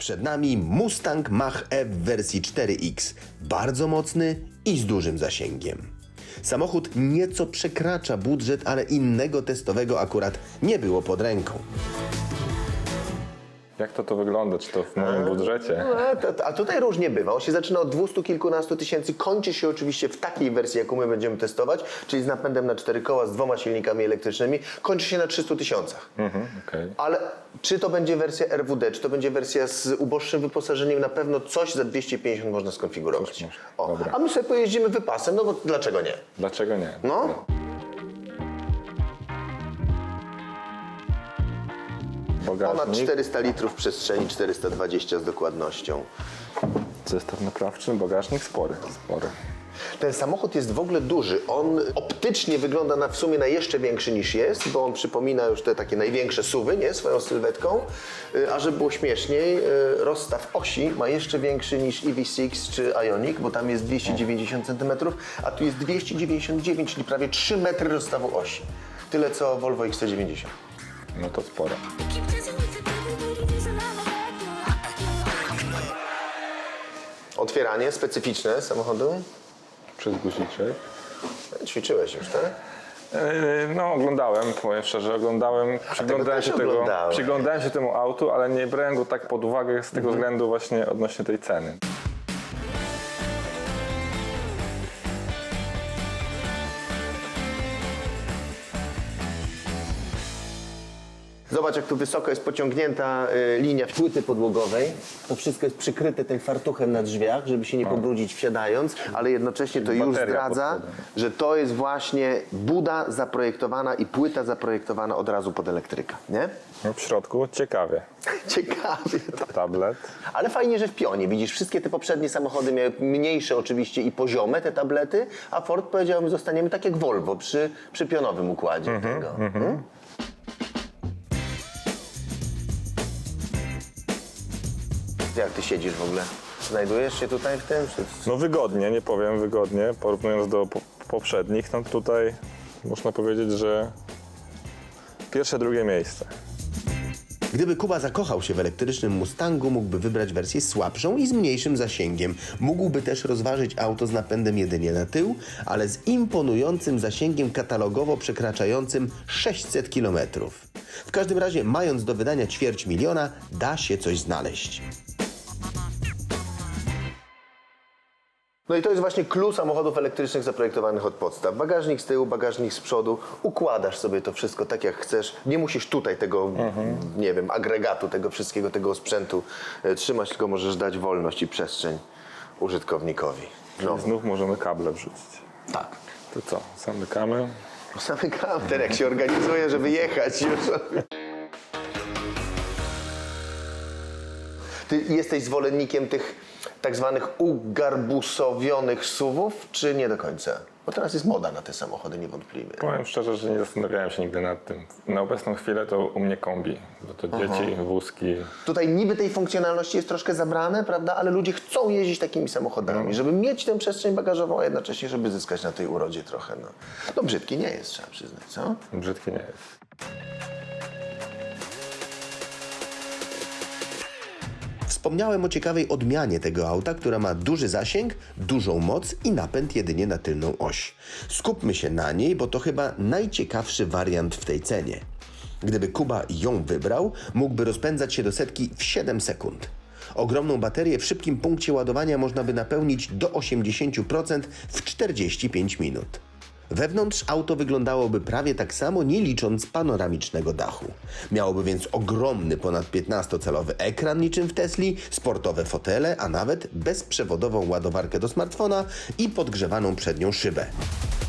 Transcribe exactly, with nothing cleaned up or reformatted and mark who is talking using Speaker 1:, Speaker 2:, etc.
Speaker 1: Przed nami Mustang Mach-E w wersji cztery X. Bardzo mocny i z dużym zasięgiem. Samochód nieco przekracza budżet, ale innego testowego akurat nie było pod ręką.
Speaker 2: Jak to to wygląda? Czy to w moim budżecie?
Speaker 3: A, to, a tutaj różnie bywa. On się zaczyna od dwustu kilkunastu tysięcy, kończy się oczywiście w takiej wersji, jaką my będziemy testować, czyli z napędem na cztery koła, z dwoma silnikami elektrycznymi, kończy się na trzystu tysiącach.
Speaker 2: Mhm, okay.
Speaker 3: Ale czy to będzie wersja R W D, czy to będzie wersja z uboższym wyposażeniem, na pewno coś za dwieście pięćdziesiąt można skonfigurować. O,
Speaker 2: Dobra.
Speaker 3: a my sobie pojeździmy wypasem, no bo dlaczego nie?
Speaker 2: Dlaczego nie?
Speaker 3: No. Ponad
Speaker 2: Bagażnik,
Speaker 3: czterysta litrów przestrzeni, czterysta dwadzieścia z dokładnością.
Speaker 2: zestaw naprawczy, bagażnik spory, spory.
Speaker 3: Ten samochód jest w ogóle duży. On optycznie wygląda na w sumie na jeszcze większy niż jest, bo on przypomina już te takie największe suwy, nie? Swoją sylwetką. Y, A żeby było śmieszniej, y, rozstaw osi ma jeszcze większy niż E V sześć czy Ioniq, bo tam jest dwieście dziewięćdziesiąt centymetrów, a tu jest dwieście dziewięćdziesiąt dziewięć, czyli prawie trzy metry rozstawu osi. Tyle co Volvo X C dziewięćdziesiąt.
Speaker 2: No to sporo.
Speaker 3: Otwieranie specyficzne samochodu.
Speaker 2: Przez guziczek.
Speaker 3: Ćwiczyłeś już, tak?
Speaker 2: Yy, No oglądałem, powiem szczerze, oglądałem, przyglądałem
Speaker 3: też
Speaker 2: się, tego,
Speaker 3: oglądałem.
Speaker 2: przyglądałem się temu autu, ale nie brałem go tak pod uwagę z tego
Speaker 3: Mhm.
Speaker 2: względu właśnie odnośnie tej ceny.
Speaker 3: Zobacz, jak tu wysoko jest pociągnięta y, linia płyty podłogowej. To wszystko jest przykryte tym fartuchem na drzwiach, żeby się nie pobrudzić wsiadając, ale jednocześnie to już
Speaker 2: Bateria
Speaker 3: zdradza,
Speaker 2: pod spodem.
Speaker 3: że to jest właśnie buda zaprojektowana i płyta zaprojektowana od razu pod elektryka, nie?
Speaker 2: No w środku ciekawie.
Speaker 3: Ciekawie.
Speaker 2: Tablet.
Speaker 3: Ale fajnie, że w pionie. Widzisz, wszystkie te poprzednie samochody miały mniejsze oczywiście i poziome te tablety, a Ford powiedział, my zostaniemy tak jak Volvo przy, przy pionowym układzie tego. Hmm? Jak ty siedzisz w ogóle? Znajdujesz się tutaj w tym? Czy...
Speaker 2: No wygodnie, nie powiem wygodnie, porównując do po poprzednich, no tutaj można powiedzieć, że pierwsze, drugie miejsce.
Speaker 1: Gdyby Kuba zakochał się w elektrycznym Mustangu, mógłby wybrać wersję słabszą i z mniejszym zasięgiem. Mógłby też rozważyć auto z napędem jedynie na tył, ale z imponującym zasięgiem katalogowo przekraczającym sześćset kilometrów. W każdym razie, mając do wydania ćwierć miliona, da się coś znaleźć.
Speaker 3: No i to jest właśnie clue samochodów elektrycznych zaprojektowanych od podstaw. Bagażnik z tyłu, bagażnik z przodu. Układasz sobie to wszystko tak jak chcesz. Nie musisz tutaj tego, nie wiem, agregatu, tego wszystkiego, tego sprzętu e, trzymać, tylko możesz dać wolność i przestrzeń użytkownikowi. No,
Speaker 2: Znów możemy kable wrzucić.
Speaker 3: tak.
Speaker 2: To co, zamykamy.
Speaker 3: Zamykam ten, jak się organizuje, żeby jechać już. Ty jesteś zwolennikiem tych tak zwanych ugarbusowionych suwów, czy nie do końca? Bo teraz jest moda na te samochody niewątpliwie.
Speaker 2: Powiem szczerze, że nie zastanawiałem się nigdy nad tym. Na obecną chwilę to u mnie kombi, bo to dzieci, wózki.
Speaker 3: Tutaj niby tej funkcjonalności jest troszkę zabrane, prawda? Ale ludzie chcą jeździć takimi samochodami, żeby mieć tę przestrzeń bagażową, a jednocześnie, żeby zyskać na tej urodzie trochę. No, no brzydki nie jest, trzeba przyznać, co?
Speaker 2: Brzydki nie jest.
Speaker 1: Wspomniałem o ciekawej odmianie tego auta, która ma duży zasięg, dużą moc i napęd jedynie na tylną oś. Skupmy się na niej, bo to chyba najciekawszy wariant w tej cenie. Gdyby Kuba ją wybrał, mógłby rozpędzać się do setki w siedem sekund. Ogromną baterię w szybkim punkcie ładowania można by napełnić do osiemdziesiąt procent w czterdzieści pięć minut. Wewnątrz auto wyglądałoby prawie tak samo, nie licząc panoramicznego dachu. Miałoby więc ogromny, ponad piętnastocalowy ekran niczym w Tesli, sportowe fotele, a nawet bezprzewodową ładowarkę do smartfona i podgrzewaną przednią szybę.